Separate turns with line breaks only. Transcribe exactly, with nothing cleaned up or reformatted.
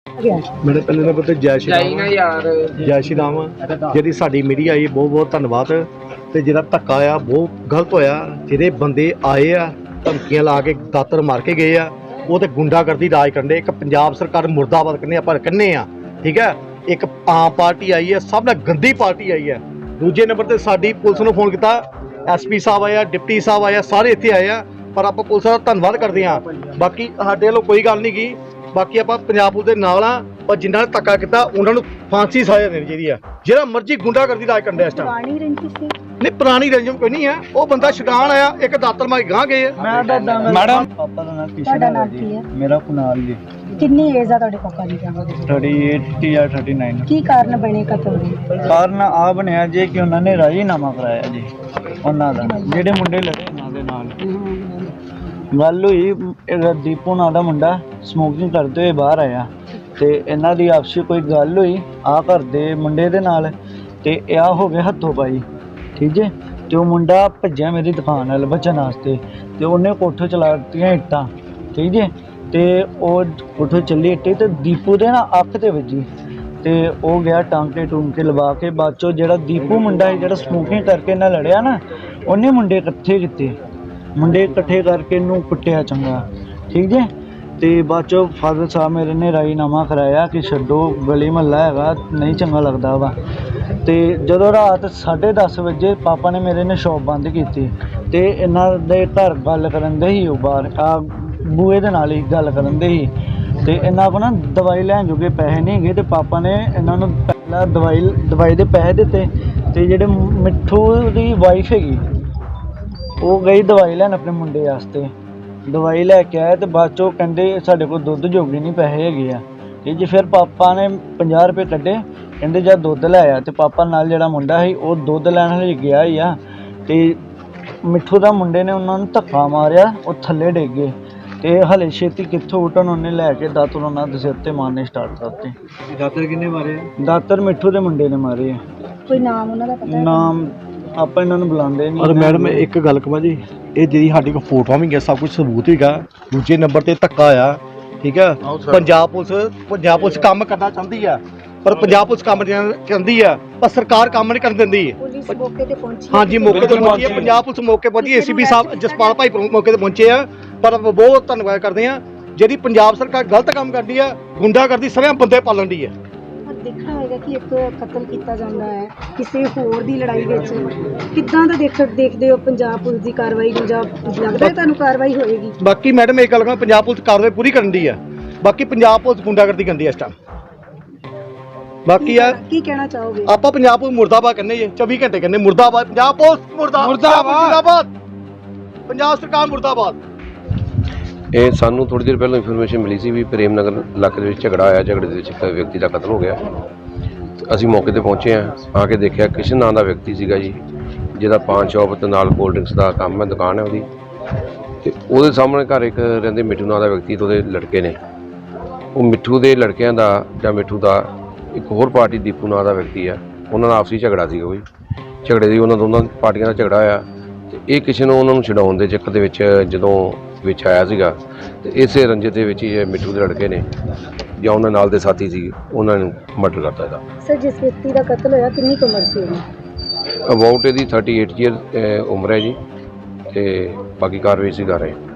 मेरे पहले नंबर ते जय श्री राम यार जय श्री राम जी साडी मीडिया आई बहुत बहुत धन्यवाद ते जिहड़ा धक्का आ बहुत गलत होया जिहड़े बंदे आए आ धमकियां ला के दातर मार के गए आ वो तो गुंडागर्दी राज करने एक पंजाब सरकार मुर्दाबाद करने आप कहने आ ठीक है एक आम पार्टी आई है सब ने गंदी पार्टी आई है दूजे नंबर ते साडी पुलिस नूं फोन किया एस पी साहब आया डिप्टी साहब आया सारे इत्थे आए आ पर आप पुलिस का धन्यवाद करते हैं बाकी साडे वल्लों कोई गल नहीं की बाकी आप पंजाब पुलिस के नाल आ पर जिन्होंने धक्का किया उन्होंने फांसी सजा देनी चाहिए जिहड़ा मर्जी गुंडागर्दी राज करदा इस टाइम नहीं पुरानी रंजम कोई नहीं है वो बंदा छडान आया एक दातर मार गां गए
मैडम पापा दा नाम किशन है मेरा कुनाल जी
कितनी एज है ਤੁਹਾਡੇ ਪਾਪਾ ਦੀ
अड़तीस ਜਾਂ उनतालीस
ਕੀ ਕਾਰਨ ਬਣੇ ਕਤਲ ਦੇ
ਕਾਰਨ ਆ ਬਣਿਆ ਜੇ ਕਿ ਉਹਨਾਂ ਨੇ ਰਾਜੀਨਾਮਾ ਕਰਾਇਆ ਜੀ ਉਹਨਾਂ ਦਾ ਜਿਹੜੇ ਮੁੰਡੇ ਲੜੇ ਉਹਨਾਂ ਦੇ ਨਾਲ ਗੱਲ ਹੋਈ ਦੀਪੂ ਨਾਂ ਦਾ ਮੁੰਡਾ ਸਮੋਕਿੰਗ ਕਰਦੇ ਹੋਏ ਬਾਹਰ ਆਇਆ ਤੇ ਇਹਨਾਂ ਦੀ ਆਪਸੀ ਕੋਈ ਗੱਲ ਹੋਈ ਆ ਘਰ ਦੇ ਮੁੰਡੇ ਦੇ ਨਾਲ ਤੇ ਆ ਹੋ ਗਿਆ ਹੱਥੋਂ ਪਾਈ ਠੀਕ ਹੈ ਤੇ ਉਹ ਮੁੰਡਾ ਭੱਜਿਆ ਮੇਰੀ ਦੁਕਾਨ ਵੱਲ ਬਚਣ ਵਾਸਤੇ ਤੇ ਉਹਨੇ ਕੋਠੇ ਚਲਾ ਦਿੱਤੀਆਂ ਇੱਟਾਂ ਠੀਕ ਹੈ ਤੇ ਉਹ ਕੋਠੇ ਚੱਲੀ ਇੱਟੇ ਤੇ ਦੀਪੂ ਦੇ ਨਾ ਅੱਖ ਤੇ ਵੱਜੀ ਤੇ ਉਹ ਗਿਆ ਟਾਂਕੇ ਟੂੰਕੇ ਲਵਾ ਕੇ ਬਾਅਦ ਚੋਂ ਜਿਹੜਾ ਦੀਪੂ ਮੁੰਡਾ ਹੈ ਜਿਹੜਾ ਸਮੋਕਿੰਗ ਕਰਕੇ ਨਾਲ ਲੜਿਆ ਨਾ ਉਹਨੇ ਮੁੰਡੇ ਇਕੱਠੇ ਕੀਤੇ ਮੁੰਡੇ ਇਕੱਠੇ ਕਰਕੇ ਇਹਨੂੰ ਕੁੱਟਿਆ ਚੰਗਾ ਠੀਕ ਹੈ ਤੇ ਬਾਅਦ ਚੋਂ ਫਾਦਰ ਸਾਹਿਬ ਮੇਰੇ ਨੇ ਰਾਜੀਨਾਮਾ ਕਰਾਇਆ ਕਿ ਛੱਡੋ ਗਲੀ ਮਹੱਲਾ ਹੈਗਾ ਨਹੀਂ ਚੰਗਾ ਲੱਗਦਾ ਵਾ ਤੇ ਜਦੋਂ ਰਾਤ ਸਾਢੇ ਦਸ ਵਜੇ ਪਾਪਾ ਨੇ ਮੇਰੇ ਨੇ ਸ਼ੌਪ ਬੰਦ ਕੀਤੀ ਤੇ ਇਹਨਾਂ ਦੇ ਘਰ ਗੱਲ ਕਰਨ ਦੇ ਹੀ ਉਹ ਬਾਹਰ ਆ ਬੂਏ ਦੇ ਨਾਲ ਹੀ ਗੱਲ ਕਰਨ ਦੇ ਹੀ ਤੇ ਇਹਨਾਂ ਕੋਲ ਨਾ ਦਵਾਈ ਲੈਣ ਜੋਗੇ ਪੈਸੇ ਨਹੀਂ ਹੈਗੇ ਤੇ ਪਾਪਾ ਨੇ ਇਹਨਾਂ ਨੂੰ ਪਹਿਲਾਂ ਦਵਾਈ ਦਵਾਈ ਦੇ ਪੈਸੇ ਦਿੱਤੇ ਤੇ ਜਿਹੜੇ ਮਿੱਠੂ ਦੀ ਵਾਈਫ ਹੈਗੀ ਉਹ ਗਈ ਦਵਾਈ ਲੈਣ ਆਪਣੇ ਮੁੰਡੇ ਵਾਸਤੇ ਦਵਾਈ ਲੈ ਕੇ ਆਇਆ ਤੇ ਬਾਅਦ ਚੋਂ ਕਹਿੰਦੇ ਸਾਡੇ ਕੋਲ ਦੁੱਧ ਜੋਗੇ ਨਹੀਂ ਪੈਸੇ ਹੈਗੇ ਆ ਤੇ ਜੀ ਫਿਰ ਪਾਪਾ ਨੇ ਪੰਜਾਹ ਰੁਪਏ ਕੱਢੇ ਕਹਿੰਦੇ ਜਦ ਦੁੱਧ ਲੈ ਆਇਆ ਤੇ ਪਾਪਾ ਨਾਲ ਜਿਹੜਾ ਮੁੰਡਾ ਸੀ ਉਹ ਦੁੱਧ ਲੈਣ ਲਈ ਗਿਆ ਹੀ ਆ ਤੇ ਮਿੱਠੂ ਦਾ ਮੁੰਡੇ ਨੇ ਉਹਨਾਂ ਨੂੰ ਧੱਕਾ ਮਾਰਿਆ ਉਹ ਥੱਲੇ ਡਿੱਗ ਗਏ ਤੇ ਹਲੇ ਛੇਤੀ ਕਿੱਥੋਂ ਉਠਣ ਉਹਨੇ ਲੈ ਕੇ ਦਾਤਰ ਉਹਨਾਂ ਦੇ ਸਿਰ ਤੇ ਮਾਰਨੇ ਸਟਾਰਟ ਕਰਤੇ
ਦਾਤਰ ਕਿੰਨੇ ਮਾਰੇ
ਦਾਤਰ ਮਿੱਠੂ ਦੇ ਮੁੰਡੇ ਨੇ ਮਾਰੇ
ਕੋਈ ਨਾਮ ਉਹਨਾਂ ਦਾ ਪਤਾ
ਨਾਮ ਆਪਾਂ ਇਹਨਾਂ ਨੂੰ ਬੁਲਾਉਂਦੇ ਨਹੀਂ
और मैडम एक गल कह जी ये जी साड़ी को फोटो भी है सब कुछ सबूत ही दूजे नंबर ते धक्का आया ठीक है पंजाब पुलिस पंजाब पुलिस काम करना चाहती है पर पंजाब पुलिस काम चाहती है पर सरकार काम नहीं कर देती
ਪੁਲਿਸ ਮੌਕੇ ਤੇ ਪਹੁੰਚੀ
हाँ जी मौके पर पहुंची है पंजाब पुलिस मौके पहुंची ए सी पी साहब जसपाल भाई मौके पर पहुंचे हैं पर बहुत धन्यवाद करते हैं जी पंजाब सरकार गलत काम करती है गुंडागर्दी सरेआम बंदे पालन दी है
ਦੇਖਣਾ ਹੋਏਗਾ ਕਿ ਇੱਕ ਕਤਲ ਕੀਤਾ ਜਾਂਦਾ ਹੈ ਕਿਸੇ ਹੋਰ ਦੀ ਲੜਾਈ ਵਿੱਚ ਕਿੱਦਾਂ ਦਾ ਦੇਖ ਦੇਖਦੇ ਹੋ ਪੰਜਾਬ ਪੁਲਿਸ ਦੀ ਕਾਰਵਾਈ ਪੰਜਾਬ ਲੱਗਦਾ ਹੈ ਤੁਹਾਨੂੰ ਕਾਰਵਾਈ ਹੋਏਗੀ
ਬਾਕੀ ਮੈਡਮ ਇਹ ਗੱਲ ਕਹਾਂ ਪੰਜਾਬ ਪੁਲਿਸ ਕਾਰਵਾਈ ਪੂਰੀ ਕਰਨ ਦੀ ਹੈ ਬਾਕੀ ਪੰਜਾਬ ਪੁਲਿਸ ਗੁੰਡਾਗਰਦੀ ਕਰਦੀ ਹੈ ਇਸ ਟਾਈਮ ਬਾਕੀ ਆ
ਕੀ ਕਹਿਣਾ ਚਾਹੋਗੇ
ਆਪਾਂ ਪੰਜਾਬ ਪੁਲਿਸ ਮੁਰਦਾਬਾਦ ਕਹਿੰਦੇ ਜੀ ਚੌਵੀ ਘੰਟੇ ਕਹਿੰਦੇ ਮੁਰਦਾਬਾਦ ਪੰਜਾਬ ਪੁਲਿਸ ਮੁਰਦਾਬਾਦ ਪੰਜਾਬ ਸਰਕਾਰ ਮੁਰਦਾਬਾਦ
ਇਹ ਸਾਨੂੰ ਥੋੜੀ ਦੇਰ ਪਹਿਲਾਂ ਇਨਫੋਰਮੇਸ਼ਨ ਮਿਲੀ ਸੀ ਵੀ ਪ੍ਰੇਮ ਨਗਰ ਇਲਾਕੇ ਦੇ ਵਿੱਚ ਝਗੜਾ ਆਇਆ ਝਗੜੇ ਦੇ ਵਿੱਚ ਇੱਕ ਵਿਅਕਤੀ ਦਾ ਕਤਲ ਹੋ ਗਿਆ ਅਸੀਂ ਮੌਕੇ ਤੇ ਪਹੁੰਚੇ ਹਾਂ ਆ ਕੇ ਦੇਖਿਆ ਕਿਸ਼ਨ ਨਾਂ ਦਾ ਵਿਅਕਤੀ ਸੀਗਾ ਜੀ ਜਿਹਦਾ ਪਾਨ ਸ਼ਾਪ ਤੇ ਨਾਲ ਕੋਲਡ ਡਰਿੰਕਸ ਦਾ ਕੰਮ ਹੈ ਦੁਕਾਨ ਹੈ ਉਹਦੀ ਤੇ ਉਹਦੇ ਸਾਹਮਣੇ ਘਰ ਇੱਕ ਰਹਿੰਦੇ ਮਿੱਠੂ ਨਾਂ ਦਾ ਵਿਅਕਤੀ ਤੇ ਉਹਦੇ ਲੜਕੇ ਨੇ ਉਹ ਮਿੱਠੂ ਦੇ ਲੜਕਿਆਂ ਦਾ ਜਾਂ ਮਿੱਠੂ ਦਾ ਇੱਕ ਹੋਰ ਪਾਰਟੀ ਦੀਪੂ ਨਾਂ ਦਾ ਵਿਅਕਤੀ ਆ ਉਹਨਾਂ ਦਾ ਆਪਸੀ ਝਗੜਾ ਸੀਗਾ ਕੋਈ ਝਗੜੇ ਦੀ ਉਹਨਾਂ ਦੋਨਾਂ ਪਾਰਟੀਆਂ ਦਾ ਝਗੜਾ ਆਇਆ ਤੇ ਇਹ ਕਿਸੇ ਨੂੰ ਉਹਨਾਂ ਨੂੰ ਛਡਾਉਣ ਦੇ ਚੱਕਰ ਦੇ ਵਿੱਚ ਜਦੋਂ ਵਿੱਚ ਆਇਆ ਸੀਗਾ ਤੇ ਇਸੇ ਰੰਜੇ ਦੇ ਵਿੱਚ ਹੀ ਮਿੱਠੂ ਦੇ ਲੜਕੇ ਨੇ ਜਾਂ ਉਹਨਾਂ ਨਾਲ ਦੇ ਸਾਥੀ ਸੀ ਉਹਨਾਂ ਨੂੰ ਮਰਡਰ ਕਰਤਾ ਇਹਦਾ
ਸਰ ਜਿਸ ਵਿਅਕਤੀ ਦਾ ਕਤਲ ਹੋਇਆ ਕਿੰਨੀ ਕੁ ਉਮਰ ਸੀ ਉਹਦੀ
ਅਬਾਊਟ ਇਹਦੀ ਅੜਤਾਲੀ ਈਅਰ ਉਮਰ ਹੈ ਜੀ ਤੇ ਬਾਕੀ ਕਾਰਵਾਈ ਅਸੀਂ ਕਰ ਰਹੇ ਹਾਂ